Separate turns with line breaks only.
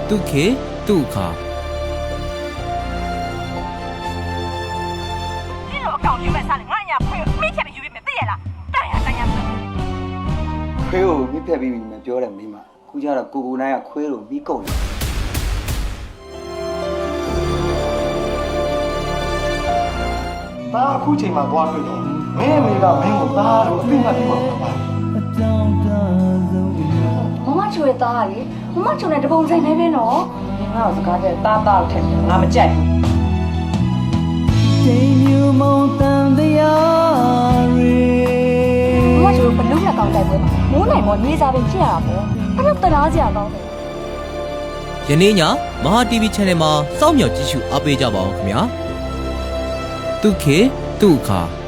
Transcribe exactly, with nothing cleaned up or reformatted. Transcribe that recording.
တုခေတုခါ
你老搞你们啥的，俺家朋友每天都有没得啦，当然当然。
ခွေးကိုမိဖက်ပြီးပြီမပြောတယ်မိမခုကျတော့ကိုကိုနိုင်ကခွေးကိုပြီးကုန်တယ်
ဒါအခုချိန်မှာသွားတွေ့တော့မင်းအမေကမင်းကိုသားလို့အသိမှတ်ပြုပါမှာပါ
မမချိုရဲ့သားကလေမမချိုနဲ့တပုံဆိုင်နေပဲနော်ငါ့ကိုစကားတဲ့သားသားထက်ငါမကြိုက်ဘူးချိန်မြူမုံတန်တရားရီမမချိုဘလုံးနဲ့ကောင်းတိုက်ပွဲမှာမိုးနိုင်မောနေစားပင်ဖြစ်ရတာပေါ့အဲ့တော့တရားစရာကောင်းတယ်
ယနေ့ညမဟာ တီဗီ Channel မှာစောင့်မျှော်ကြည့်ရှုအားပေးကြပါအောင်ခင်ဗျာတုခေတုခါ